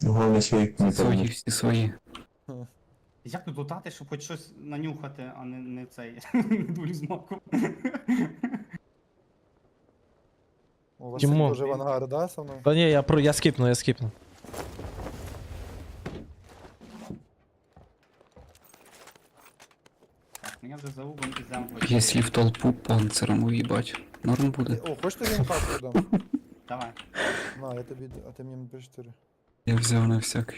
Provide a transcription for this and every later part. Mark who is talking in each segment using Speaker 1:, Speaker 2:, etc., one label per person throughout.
Speaker 1: Головне своїх не
Speaker 2: Свої,
Speaker 1: помню.
Speaker 2: всі свої.
Speaker 3: Як тут лутати, щоб хоч щось нанюхати, а не цей дулю з маком.
Speaker 4: У вас
Speaker 5: Тімо.
Speaker 4: теж в ангар, да, со мною?
Speaker 5: Та ні, я скіпну, я скіпну.
Speaker 3: Так, ну я вже за угом і землю.
Speaker 2: Якщо в толпу панциром уїбать. Норм буде.
Speaker 4: О, хочеш тобі МК дам?
Speaker 3: Давай.
Speaker 4: На, я тобі, а ти мені М4.
Speaker 2: Я взяв на всякий.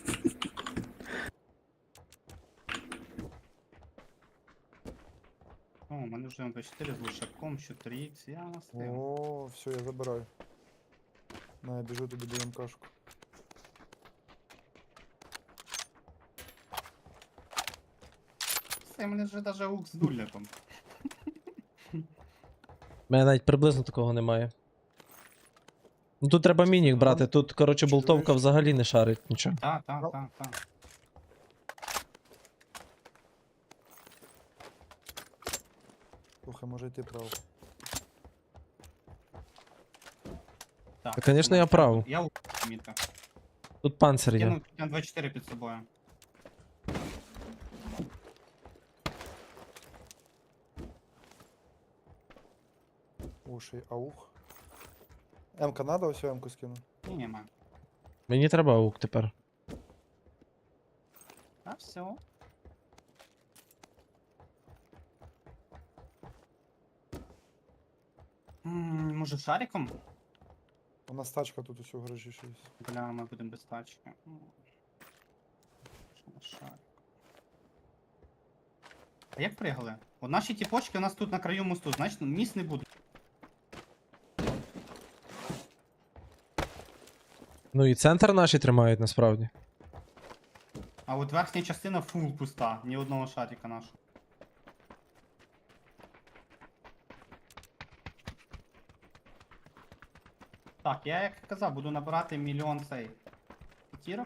Speaker 3: О, у мене вже М4 з лошаком, 4х, я настиг.
Speaker 4: О, все, я забираю. На, я біжу тобі до МКшку.
Speaker 3: Все, у мене вже даже ук з дуляком.
Speaker 5: У мене навіть приблизно такого немає. Ну тут треба мінік брати, тут, коротше, болтовка
Speaker 4: Чуєш?
Speaker 5: взагалі не шарить нічого.
Speaker 3: Так.
Speaker 4: Слухай, може йти право.
Speaker 3: Так,
Speaker 5: Та, конечно, я прав.
Speaker 3: Я ук мітка.
Speaker 5: Тут панцир є.
Speaker 3: Кинув 24 під собою.
Speaker 4: Уші, аух. М-ка надо, ось М-ку скину.
Speaker 3: Ні, нема.
Speaker 5: Мені треба аук тепер.
Speaker 3: А все. Може шариком?
Speaker 4: У нас тачка тут ось у гаражі ще є.
Speaker 3: Бля, ми будемо без тачки. Що на шарик? А як пригали? От наші тіпочки у нас тут на краю мосту, значить міст не буде.
Speaker 5: Ну і центр наші тримають насправді.
Speaker 3: А от верхня частина фул пуста, ні одного шарика нашого. Так, я як казав, буду набирати мільйон цей п'ятірок.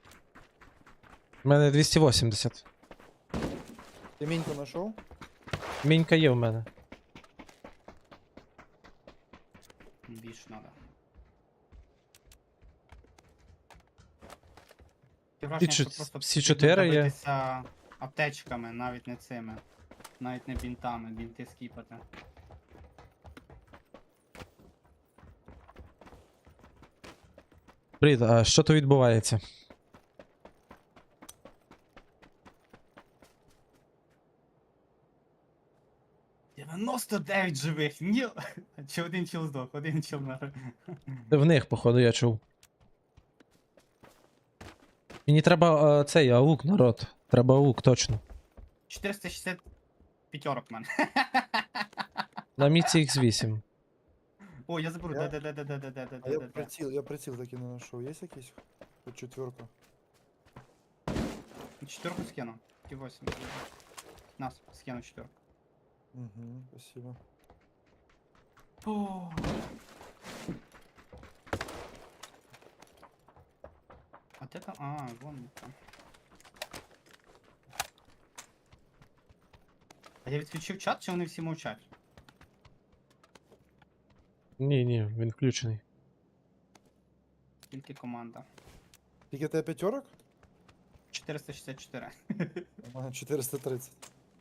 Speaker 5: У мене 280.
Speaker 4: Ти міньку знайшов?
Speaker 5: Мінька є в мене.
Speaker 3: Більше треба. Таке враження, що просто
Speaker 5: всі
Speaker 3: потрібно
Speaker 5: 4 є?
Speaker 3: давитися аптечками, навіть не цими. Навіть не бінтами, бінти скіпати.
Speaker 5: Привіт, а що то відбувається?
Speaker 3: — 99 живих! Ні! Чи один чіл здох, один чіл мер.
Speaker 5: Це в них, походу, я чув. Мені треба цей аук, народ. Треба аук, точно.
Speaker 3: 460 п'ятерок в мене.
Speaker 5: На міці X8.
Speaker 3: О, я заберу,
Speaker 4: Я- А я
Speaker 3: де-де-де-де-де-де-де-де.
Speaker 4: приціл таки не знайшов. Є якийсь? Хоч четверка.
Speaker 3: Четверку скину. І 8. Нас, скину четверку.
Speaker 4: Угу, спасибо.
Speaker 3: О. А де там? А, вон там. А я відключив чат, чи вони всі мовчать?
Speaker 5: Ні, він включений.
Speaker 3: Тільки команда.
Speaker 4: Тільки в тебе п'ятерок?
Speaker 3: 464.
Speaker 4: У мене 430.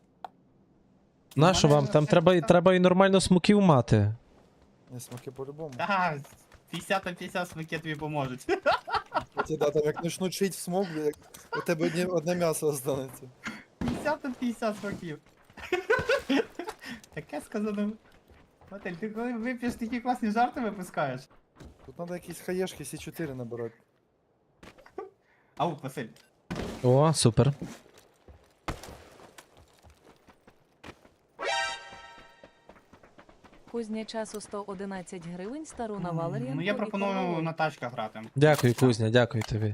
Speaker 5: Нащо вам? Там треба і нормально смоків мати.
Speaker 4: Не, смаки по-любому.
Speaker 3: Ага, 50 на 50 смаки тобі поможуть.
Speaker 4: Кстати, да, там як почнуть шить в смок, бля, у тебе одне м'ясо останеться.
Speaker 3: 50 на 50 смаків. Таке сказано. Ватель, ти коли вип'єш такі класні жарти випускаєш?
Speaker 4: Тут треба якісь хаєшки С4 набирати.
Speaker 3: Аук, Василь.
Speaker 5: О, супер.
Speaker 6: Кузня часу 111 гривень, стару на Валеріанку.
Speaker 3: Ну я
Speaker 6: і
Speaker 3: пропоную
Speaker 6: колову.
Speaker 3: на тачках грати.
Speaker 5: Дякую, Кузня, дякую тобі.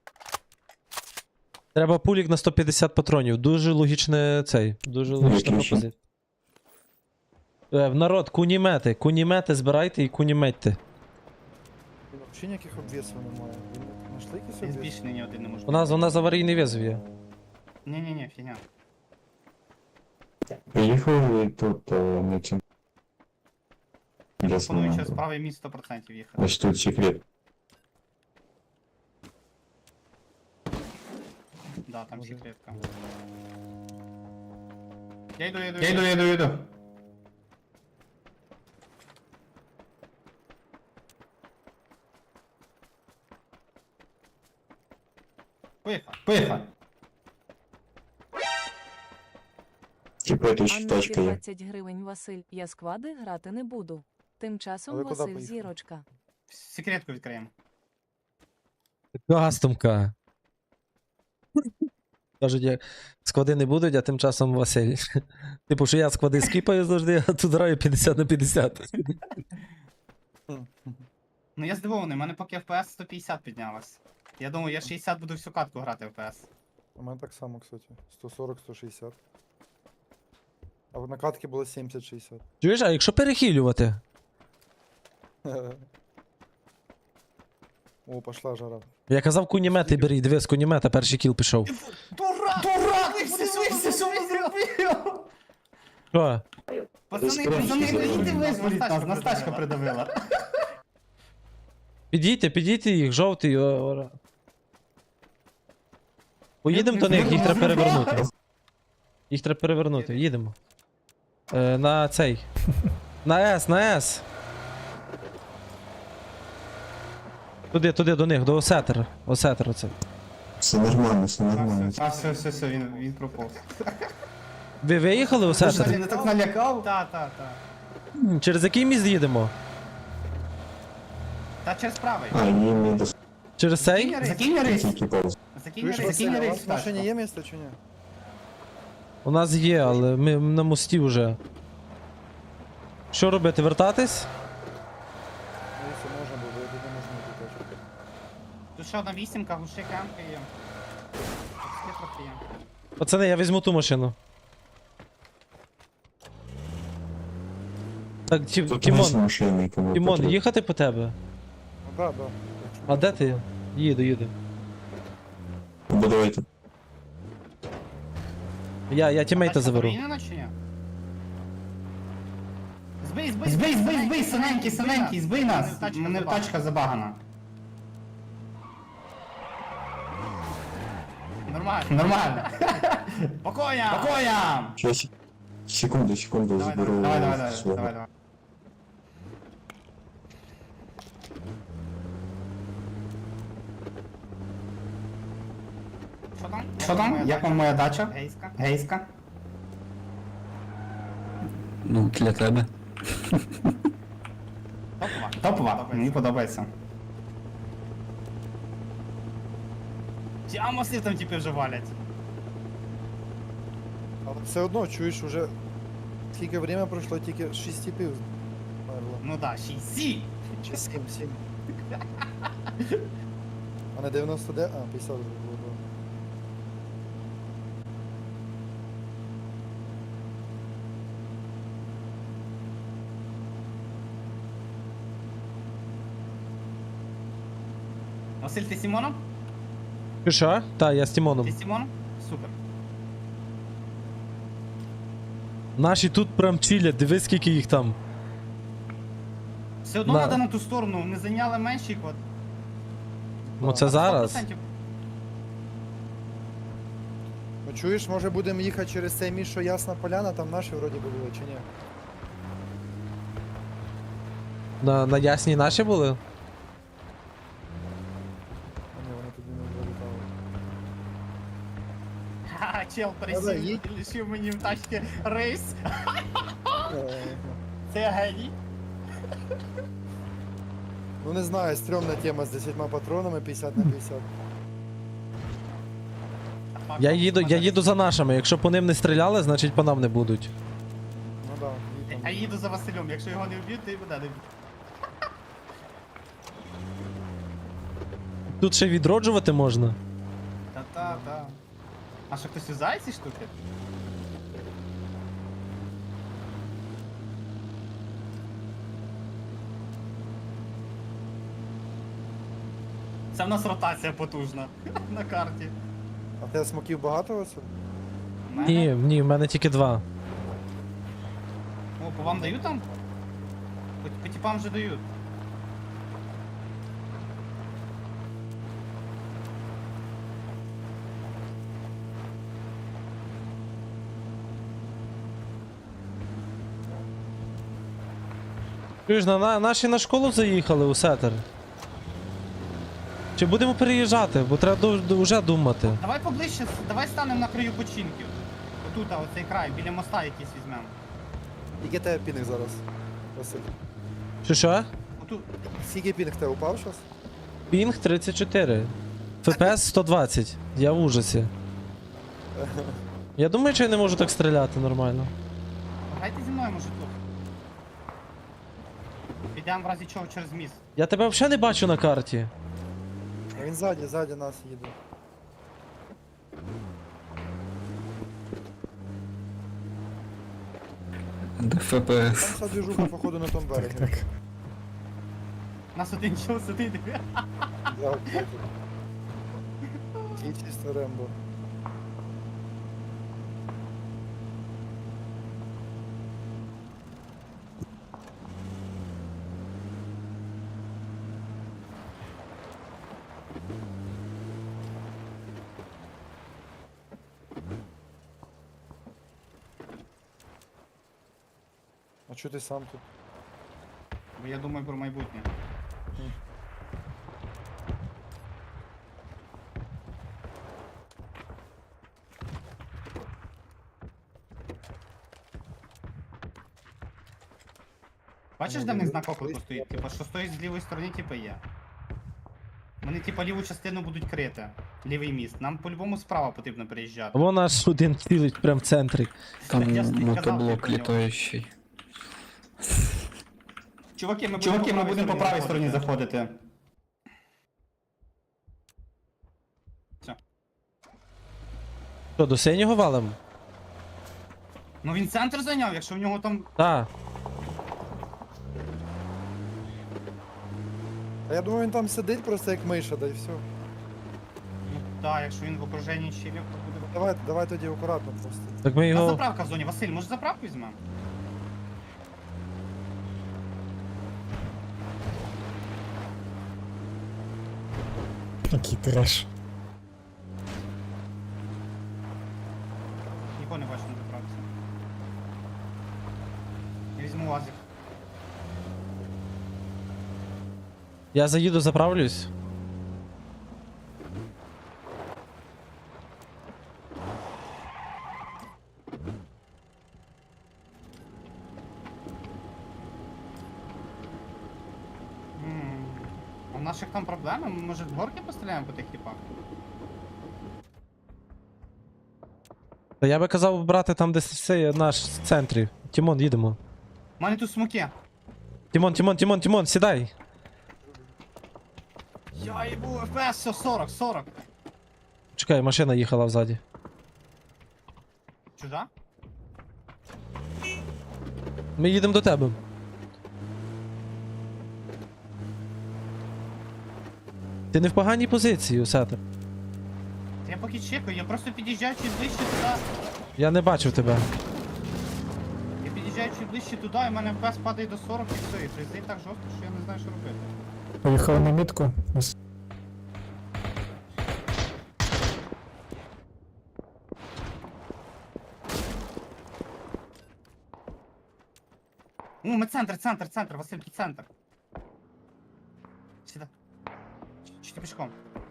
Speaker 5: Треба пулік на 150 патронів. Дуже логічне цей. Дуже логічна
Speaker 1: Виключно.
Speaker 5: пропозиція. В народ, кунімети збирайте і куніметьте.
Speaker 4: Взагалі ніяких обвісів немає. Знайшли якісь
Speaker 3: Я
Speaker 4: обвіси?
Speaker 3: збільшений ні один не можу.
Speaker 5: У нас аварійний візов є.
Speaker 3: Ні-ні-ні, фігня.
Speaker 1: Приїхали тут на цьому.
Speaker 3: Пропоную
Speaker 1: Ясно.
Speaker 3: через правий міст 100% їхати.
Speaker 1: Ось тут секрет.
Speaker 3: Да, там
Speaker 4: Може.
Speaker 3: секретка. Я йду. Поїхав.
Speaker 1: Типа тут
Speaker 6: Анна
Speaker 1: тачка є.
Speaker 6: 20 гривень Василь. Я склади грати не буду. Тим
Speaker 4: А
Speaker 6: часом
Speaker 4: ви куди
Speaker 6: Василь
Speaker 4: поїхали?
Speaker 6: зірочка.
Speaker 3: Секретку відкриємо.
Speaker 5: Кастомка. Кажуть, як склади не будуть, а тим часом Василь. Типу, що я склади скіпаю завжди, а тут граю 50 на 50.
Speaker 3: Ну я здивований, у мене поки FPS 150 піднялось. Я думаю, я 60 буду всю катку грати в FPS.
Speaker 4: У мене так само, кстати. 140-160. А в накатки було 70-60.
Speaker 5: Чуєш, а якщо перехилювати?
Speaker 4: О, пошла жара.
Speaker 5: Я казав кунімети беріть, диви, з кунімета перший кіл пішов.
Speaker 3: Дурак! Ти подивився, що ви зробив?
Speaker 5: Що?
Speaker 3: Пацани, прийдіть визволіть нас, нас тачка придавила.
Speaker 5: Підійте їх, жовтий. Поїдемо до них, їх треба перевернути. Їх треба перевернути, їдемо. На цей. На С. Туди, до них, до Осетера. Осетер оце.
Speaker 1: Все нормально, все нормально.
Speaker 3: А, все, він проповз.
Speaker 5: Ви виїхали, Осетер?
Speaker 3: не так налякав? Та.
Speaker 5: Через який міст їдемо?
Speaker 3: Та через правий.
Speaker 1: А, їм не до
Speaker 5: Через цей?
Speaker 3: Закинь рейс.
Speaker 1: тільки пауз.
Speaker 3: Закинь
Speaker 4: Чуєш, Василь,
Speaker 3: закинь
Speaker 4: а у
Speaker 3: рейс
Speaker 4: вас в машині
Speaker 3: тачку.
Speaker 4: є місце чи ні?
Speaker 5: У нас є, але ми на мості вже. Що робити, вертатись?
Speaker 4: Ну, якщо можна, бо я не можу знайти тачку.
Speaker 3: Тут ще одна вісімка, глуши камки є. Тут трохи є.
Speaker 5: Пацани, я візьму ту машину. Так,
Speaker 1: Тут
Speaker 5: Тімон,
Speaker 1: машини, кому
Speaker 5: Тімон,
Speaker 1: потрібно.
Speaker 5: їхати по тебе?
Speaker 4: Ну да. Якщо
Speaker 5: А де ти? Їду.
Speaker 1: Або давайте.
Speaker 5: Я тімейта
Speaker 3: Тачка
Speaker 5: заберу.
Speaker 3: порівняна чи ні? Збий, синенький, збий нас. Мене тачка забагана. Нормально. Покоям!
Speaker 1: Щас, секунду, заберу. свого.
Speaker 3: Давай. Що там? Як вам моя дача? Гейська.
Speaker 2: Ну, для тебе.
Speaker 3: Топова. Мені подобається. Тямослів там типи вже валять.
Speaker 4: Але все одно, чуєш, уже скільки время пройшло, тільки 6 типів померло.
Speaker 3: Ну да, 6.
Speaker 4: Чи 7. А на 99? А, 50 вже було. Да.
Speaker 3: Василь, ти Сімоном?
Speaker 5: Ти що? Та, я з Тімоном.
Speaker 3: Ти Сімоном? Супер.
Speaker 5: Наші тут прям чилять, дивись скільки їх там.
Speaker 3: Все одно
Speaker 5: На.
Speaker 3: треба на ту сторону, вони зайняли менший код.
Speaker 5: Ну це зараз.
Speaker 3: 100%.
Speaker 4: Ну чуєш, може будемо їхати через цей міст, що Ясна Поляна, там наші вроді би були, чи ні?
Speaker 5: На ясній наші були?
Speaker 4: А ні, вони тоді не залітали.
Speaker 3: Ха, чел
Speaker 4: Давай, їдь.
Speaker 3: присів, лишив мені в тачці рейс. Це я геній.
Speaker 4: Ну не знаю, стрьомна тема з 10 патронами 50 на 50.
Speaker 5: Я їду за нашими, якщо по ним не стріляли, значить по нам не будуть.
Speaker 4: Ну да, їдь
Speaker 3: А
Speaker 4: там.
Speaker 3: їду за Василем, якщо його не вб'ють, то і буде не вб'ють.
Speaker 5: Тут ще відроджувати можна.
Speaker 3: Та. А що хтось юзає ці штуки? Це в нас ротація потужна на карті.
Speaker 4: А в тебе смоків багато, Василь?
Speaker 3: У мене?
Speaker 5: Ні, в мене тільки 2.
Speaker 3: О, по вам дають там? По типам вже дають.
Speaker 5: Чуєш, наші на школу заїхали у сетер. Чи будемо переїжджати, бо треба вже думати.
Speaker 3: Давай поближче, давай станемо на краю починків. Отут, а оцей край, біля моста якийсь візьмемо.
Speaker 4: Скільки тебе пінг зараз? Василь.
Speaker 5: Що?
Speaker 3: Отут.
Speaker 4: Скільки пінг тебе упав зараз?
Speaker 5: Пінг 34. ФПС 120. Я в ужасі. Я думаю, що я не можу так стріляти нормально.
Speaker 3: Грайте зі мною, може тут. Підемо в разі чого через міст.
Speaker 5: Я тебе взагалі не бачу на карті.
Speaker 4: А він ззаді нас їде.
Speaker 2: Де
Speaker 4: Там
Speaker 2: ФПС.
Speaker 4: вся движуха, походу, на тому берегі.
Speaker 3: Нас один чого сидить.
Speaker 4: Да, і чисто Рембо. А чого ти сам тут?
Speaker 3: Бо я думаю про майбутнє. Бачиш, де в них знак оклику стоїть? Типа, що стоїть з лівої сторони, типа є. Вони типа ліву частину будуть крити. Лівий міст. Нам по-любому справа потрібно переїжджати.
Speaker 5: Вон наш один цілить прямо в центрі.
Speaker 2: Там
Speaker 3: Я ж тобі казав,
Speaker 2: мотоблок
Speaker 3: про нього.
Speaker 2: літаючий.
Speaker 3: Чуваки, ми будемо по правій стороні заходити.
Speaker 5: Що, до синього валим?
Speaker 3: Ну він центр зайняв, якщо в нього там.
Speaker 5: Так.
Speaker 4: А я думаю, він там сидить просто як миша, да і все.
Speaker 3: Ну так, якщо він в окруженні щілів, то буде.
Speaker 4: Давай тоді акуратно просто.
Speaker 5: Так ми
Speaker 3: У нас
Speaker 5: його.
Speaker 3: заправка в зоні. Василь, може заправку візьмемо?
Speaker 7: Який треш.
Speaker 3: Нікого не бачу на заправці. Я візьму УАЗик.
Speaker 5: Я заїду, заправлюсь.
Speaker 3: А в наших там проблеми? Ми, може, в горки постріляємо по тих типах?
Speaker 5: Та я би казав брати там, де це наш в центрі. Тімон, їдемо.
Speaker 3: У мене тут смоки.
Speaker 5: Тімон, сідай.
Speaker 3: Я їбу, ФПС, все, 40.
Speaker 5: Чекай, машина їхала взаді.
Speaker 3: Чужа?
Speaker 5: Ми їдемо до тебе. Ти не в поганій позиції, Усетер.
Speaker 3: Я поки чекаю, я просто під'їжджаю чуть ближче туди.
Speaker 5: Я не бачив тебе.
Speaker 3: Я під'їжджаю чуть ближче туди, і в мене ФПС падає до 40 і все. І фрізить так жорстко, що я не знаю, що робити.
Speaker 7: Поїхали на мітку.
Speaker 3: Ми центр, Василь, тут центр. Сюди. Чи ти пішком?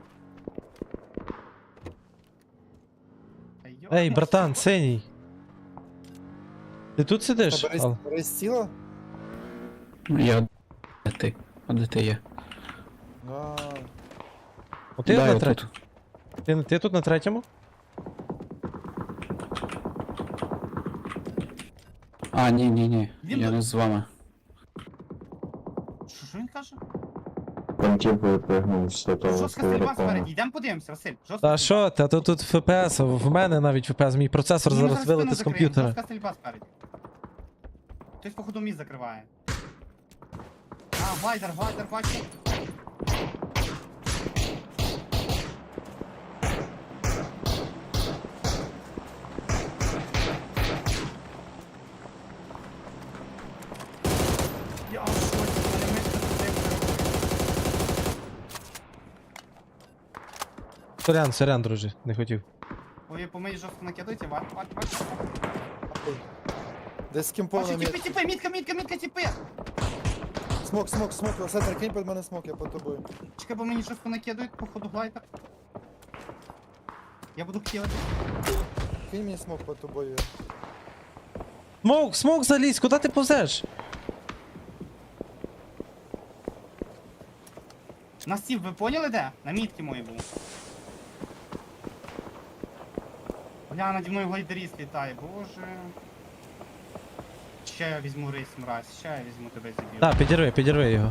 Speaker 3: Та йо.
Speaker 5: Ей, братан, синій. Ти тут сидиш?
Speaker 4: Та бери ціла?
Speaker 2: Я. Де ти? А де ти є?
Speaker 4: А,
Speaker 5: Ти
Speaker 2: Да,
Speaker 5: на
Speaker 2: я
Speaker 5: третьому? Ти тут на третьому?
Speaker 2: А, ні.
Speaker 3: Він
Speaker 2: Я
Speaker 3: тут.
Speaker 2: не з вами.
Speaker 3: Що він каже?
Speaker 1: Там тип випрыгнув з того
Speaker 3: Жорстка стрільба
Speaker 1: аероплану.
Speaker 3: спереді, йдемо подивимося, Василь. Жорстка
Speaker 5: Та що, та тут ФПС, в мене навіть ФПС, мій процесор
Speaker 3: Ні, ми
Speaker 5: зараз вилити
Speaker 3: спину
Speaker 5: з
Speaker 3: закриємо,
Speaker 5: комп'ютера.
Speaker 3: Жорстка стрільба спереді. Хтось, походу, міст закриває. А, глайдер, бачу. Я в шоці, мене мишка туди.
Speaker 5: Сорян, друже, не хотів.
Speaker 3: Ой, по мені жорстко накидуйте, бачу.
Speaker 4: десь з ким повна
Speaker 3: Бачу,
Speaker 4: мітка.
Speaker 3: тіпи, мітка, тіпи.
Speaker 4: Смок, Сетер, кинь під мене смок, я під тобою.
Speaker 3: Чекай, бо мені щось понакидують, походу глайдер. Я буду хотіти.
Speaker 4: Кинь мені смок під тобою.
Speaker 5: Смок залізь, куди ти повзеш?
Speaker 3: На стів, ви поняли де? На мітки мої був. Бля, наді мною глайдеріст літає, боже. Ще я візьму рейс, мразь, ще я візьму тебе зіб'ю.
Speaker 5: Так, підірви його.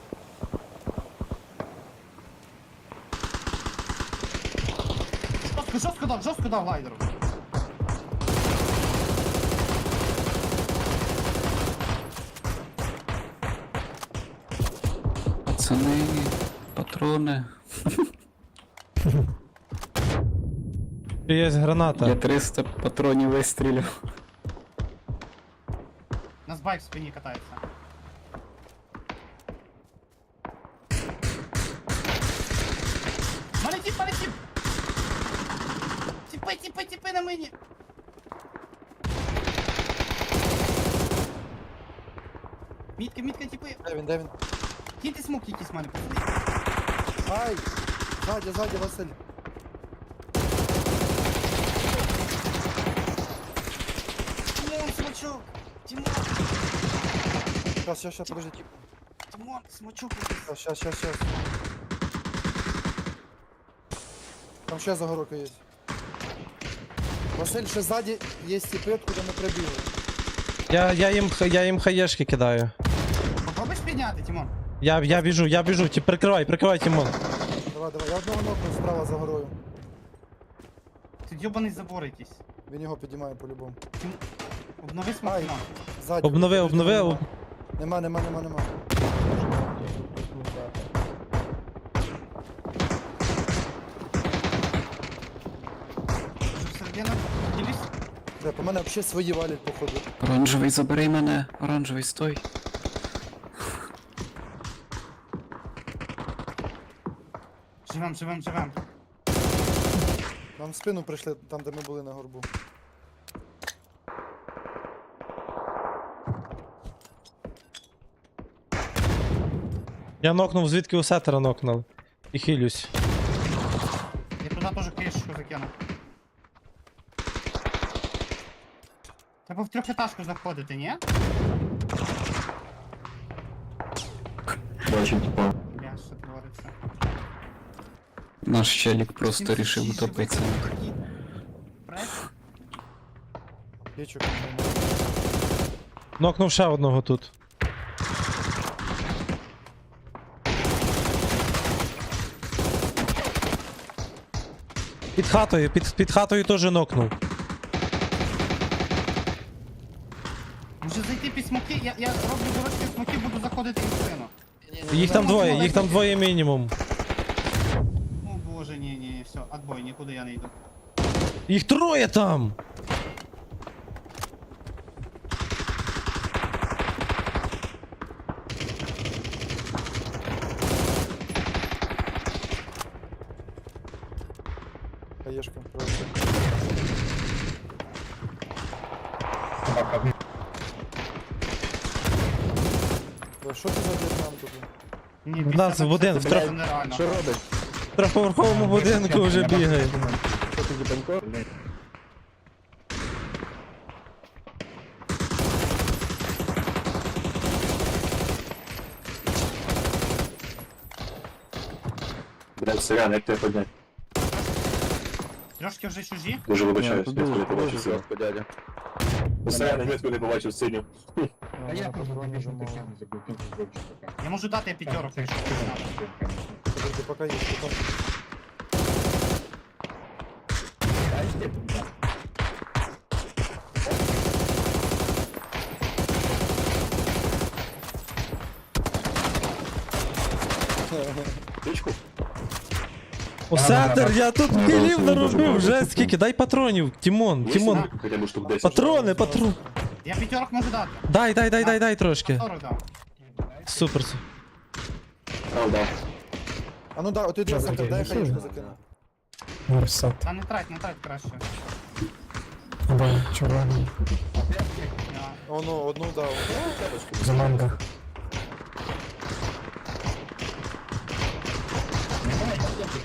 Speaker 3: Жорстко дав глайдеру.
Speaker 2: Пацани, патрони.
Speaker 5: Є граната.
Speaker 2: Я 300 патронів вистрілив.
Speaker 3: У нас байк в спині катається. Полетів! Тіпи на мені! Мітка, тіпи!
Speaker 4: Де він?
Speaker 3: Кіньте смок якийсь в мене, пацани.
Speaker 4: Ай! Ззаді, Василь.
Speaker 3: Тимон, смочок! Тимон,
Speaker 4: Щас, подожди.
Speaker 3: Тимон, смочок!
Speaker 4: Щас. Там ще загородка є. Василь, ще ззаді є тіпи, откуда ми прибігли.
Speaker 5: Я їм хаєшки кидаю.
Speaker 3: Попробуєш підняти, Тимон?
Speaker 5: Я біжу, прикривай, Тімон.
Speaker 4: Давай, я одного нокну справа за горою.
Speaker 3: Тут йобаний забор якийсь.
Speaker 4: Він його підіймає по-любому.
Speaker 3: Обнови смок,
Speaker 4: Ай.
Speaker 3: Тимон.
Speaker 4: Ззаді.
Speaker 5: Обнови.
Speaker 4: Нема.
Speaker 3: Вже всередину. Ділюсь.
Speaker 4: Де, по мене взагалі свої валять, походу.
Speaker 2: Оранжевий, забери мене. Оранжевий, стой.
Speaker 3: Живем.
Speaker 4: Нам в спину прийшли, там де ми були на горбу.
Speaker 5: Я нокнув, звідки у сетера нокнув. І хилюсь.
Speaker 3: Я туди теж кришечку закину. Треба в трьохетажку заходити, ні?
Speaker 1: Бачу, типа.
Speaker 3: Бля, що твориться.
Speaker 2: Наш челік просто рішив утопитися.
Speaker 3: Прес?
Speaker 4: Пічок.
Speaker 5: Нокнув ще одного тут. Під хатою теж нокнув.
Speaker 3: Може зайти під смоки? Я роблю дорожки смоки, буду заходити в спину.
Speaker 5: Їх там двоє мінімум.
Speaker 3: О боже, ні, все, отбой, нікуди я не йду.
Speaker 5: Їх троє там!
Speaker 4: Хаєшка, просто. Що це за В'єтнам тут?
Speaker 3: Ні,
Speaker 5: В нас в один,
Speaker 3: це
Speaker 5: в
Speaker 3: нереально.
Speaker 1: Що робиш?
Speaker 5: В трьохповерховому будинку вже бігає.
Speaker 1: Що ти діпанько? Блядь, сорян, як тебе поднять?
Speaker 3: Трошки вже чужі.
Speaker 1: Дуже вибачаюсь,
Speaker 8: тут
Speaker 1: я
Speaker 8: дуже-
Speaker 1: не побачив
Speaker 8: дуже
Speaker 1: синю. Дядя. Сорян, я ніколи не побачив синю.
Speaker 8: А я просто
Speaker 4: патрони
Speaker 8: побіжу
Speaker 4: замовив.
Speaker 8: тихо, забув кінку зробити пока.
Speaker 3: Я можу дати п'ятерок, якщо треба.
Speaker 4: Подожди, поки є, поки.
Speaker 1: Річку?
Speaker 5: О, сетер, я тут
Speaker 1: Ну,
Speaker 5: кілів
Speaker 1: дуже
Speaker 5: наробив,
Speaker 1: багато.
Speaker 5: вже скільки, дай патронів, Тімон.
Speaker 1: Хоча б штук 10.
Speaker 5: Патрони.
Speaker 3: Я п'ятерок можу дати.
Speaker 5: Дай трошки.
Speaker 3: 40 дав.
Speaker 5: Супер.
Speaker 1: Дав, дав.
Speaker 4: А ну да, ти де Сетер, дай хаєшку закину.
Speaker 7: Версат.
Speaker 3: Та не трать краще.
Speaker 7: Або червоний.
Speaker 3: Я-
Speaker 4: Оно, одну дав.
Speaker 7: За манго.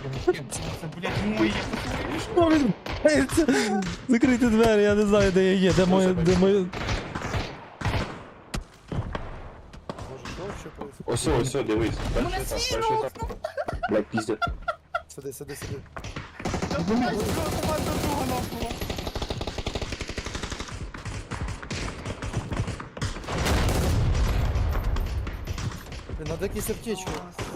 Speaker 3: Це, блядь, мої.
Speaker 5: Що відбувається? Закрийте двері, я не знаю, де я є, де моє.
Speaker 4: Боже, що вообще происходит?
Speaker 1: Ось, дивись. Перший етап, перший етап. Блядь, піздя.
Speaker 4: Сиди, сиди, сиди.
Speaker 3: Команда друга нахуй.
Speaker 4: Блін, надо якісь аптечки.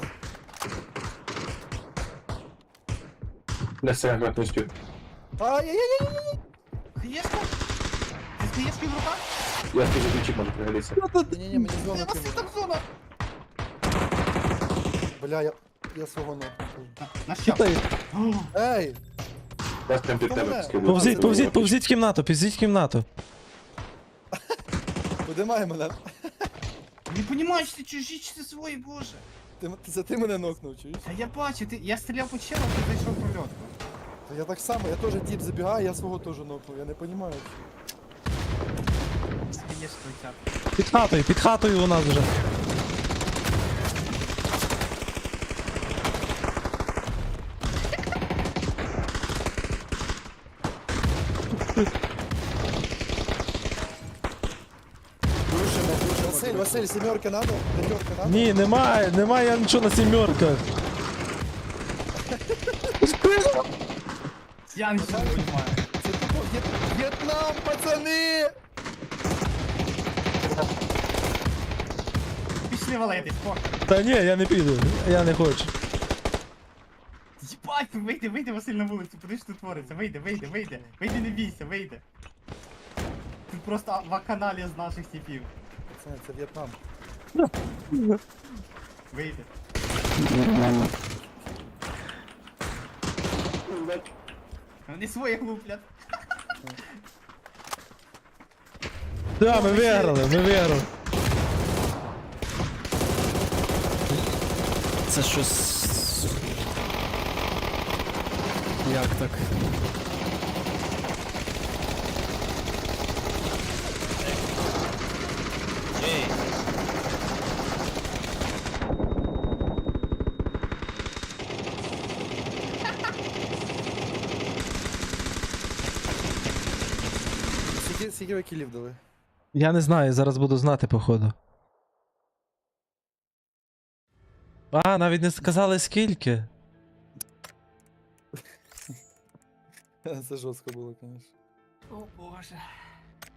Speaker 1: Блядь, сирен грати не успів.
Speaker 4: Ай-яй-яй-яй!
Speaker 3: Хаєшка? Ти з хаєшкою в руках?
Speaker 1: Я скажу, ключик може пригодиться.
Speaker 4: Ні-ні-ні, мені зону
Speaker 3: Вас
Speaker 4: кинули.
Speaker 3: там зона.
Speaker 4: Бля, я свого ног.
Speaker 3: На що?
Speaker 4: Ей!
Speaker 1: Я прям під тебе скидаю.
Speaker 5: Повзіть, повзіть, повзіть в кімнату, повзіть в кімнату.
Speaker 4: Подимай мене.
Speaker 3: Не понимаєш, ти чужі чи ти свої, боже.
Speaker 4: Це ти мене нокнув, чуєш?
Speaker 3: Та я бачу, я стріляв по челу, ти зайшов в прольотку.
Speaker 4: Та я так само, я теж тип забігаю, я свого теж нокнув, я не розумію.
Speaker 3: З хаєшкою тяп.
Speaker 5: Під хатою у нас вже.
Speaker 4: Василь, сімерки надо? П'ятерки надо?
Speaker 5: Ні, немає я нічого на сімерках.
Speaker 3: Я нічого не понимаю.
Speaker 4: Це тупо В'єтнам, пацани!
Speaker 3: Пішли валитись, по.
Speaker 5: Та ні, я не піду, я не хочу.
Speaker 3: Єбать, вийди, Василь, на вулицю, подивись, що тут твориться. Вийди, не бійся, вийди. Тут просто вакханалія з наших типів.
Speaker 4: Пацани, це В'єтнам.
Speaker 3: Вийди.
Speaker 2: Нормально.
Speaker 3: Вони своїх луплять.
Speaker 5: Да, ми виграли.
Speaker 2: Це щось. Як так?
Speaker 4: Скільки ви кілів дали?
Speaker 5: Я не знаю, зараз буду знати, походу. А, навіть не сказали скільки.
Speaker 4: Це жорстко було, звісно.
Speaker 3: О боже.